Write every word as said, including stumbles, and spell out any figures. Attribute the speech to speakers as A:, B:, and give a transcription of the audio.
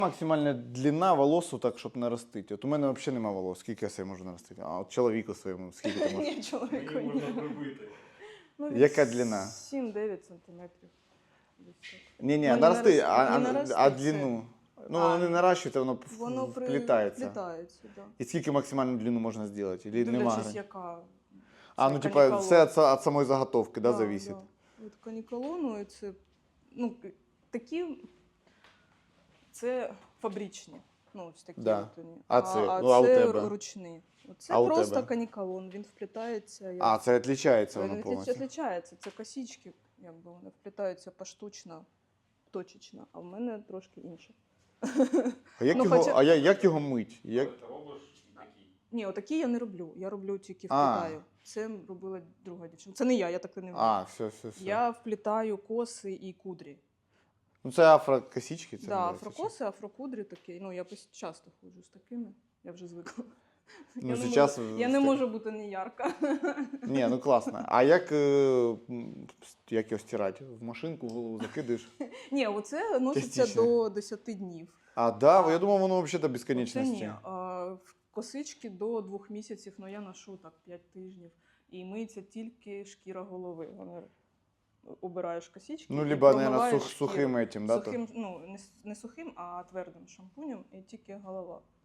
A: Максимальна длина волосу, так, щоб наростити. От у мене взагалі немає волос. Скільки я себе можу наростити? А от чоловіку своєму, скільки ти можеш?
B: Ні, чоловіку
C: Її можна
B: ні.
C: прибити.
B: Ну, від
A: Яка длина?
B: сім-дев'ять сантиметрів. Десь так.
A: Ні-ні,
B: Ну, не
A: нарости,
B: нарости-
A: а,
B: не
A: а,
B: нарости,
A: а
B: це-
A: длину? Ну,
B: А,
A: воно не наращується, воно,
B: Воно при-
A: вплітається.
B: вплітається, да.
A: І скільки максимальну длину можна зробити? Или нема
B: Дивлячись,
A: грані?
B: яка.
A: А,
B: це
A: ну, типа,
B: канікалон.
A: все від, від самої заготовки, да, зависить?
B: Да. Від канікалону, і це, ну, такі, це фабричні. Ну, ось такі
A: Да.
B: от вони.
A: А це?
B: а
A: Ну, а у
B: це
A: тебе?
B: ручні. Це
A: А у
B: просто
A: тебе?
B: канікалон, він вплітається. Як...
A: А, це відрізняється
B: Він
A: воно
B: відліч-
A: повністю?
B: відлічається. Це косички, якби вони вплітаються поштучно, точечно, а в мене трошки інше.
A: А як,
B: Ну,
A: його,
B: хоча-
A: а я- як його мить? Як...
C: Ти робиш такий.
B: Ні, отакі я не роблю. Я роблю тільки
A: А.
B: вплітаю. Це робила друга дівчина. Це не я, я так не вмію.
A: А, все, все, все.
B: Я вплітаю коси і кудрі.
A: Ну, це афрокосички? Це
B: Так, да,
A: називається,
B: афрокоси, афрокудрі такі. Ну, я пос- часто ходжу з такими. Я вже звикла.
A: чи? Ну,
B: я, не
A: зараз...
B: можу, я не можу бути не ярка.
A: Ні, ну класно. А як, е, м, як його стирати? В машинку голову закидаєш?
B: Ні, оце носиться
A: Частіше.
B: до десяти днів.
A: А, да?
B: А.
A: Я думав, воно взагалі до
B: Це
A: безконечності.
B: ні. А, в косички до двох місяців, ну я ношу так п'ять тижнів. І миється тільки шкіра голови. Вони обираєш косички.
A: Ну,
B: і
A: либо, наверное,
B: промиваєш
A: сух,
B: шкіру.
A: сухим этим, да? то?
B: Сухим, ну, не, с- не сухим, а твердим шампунем, і тільки голова.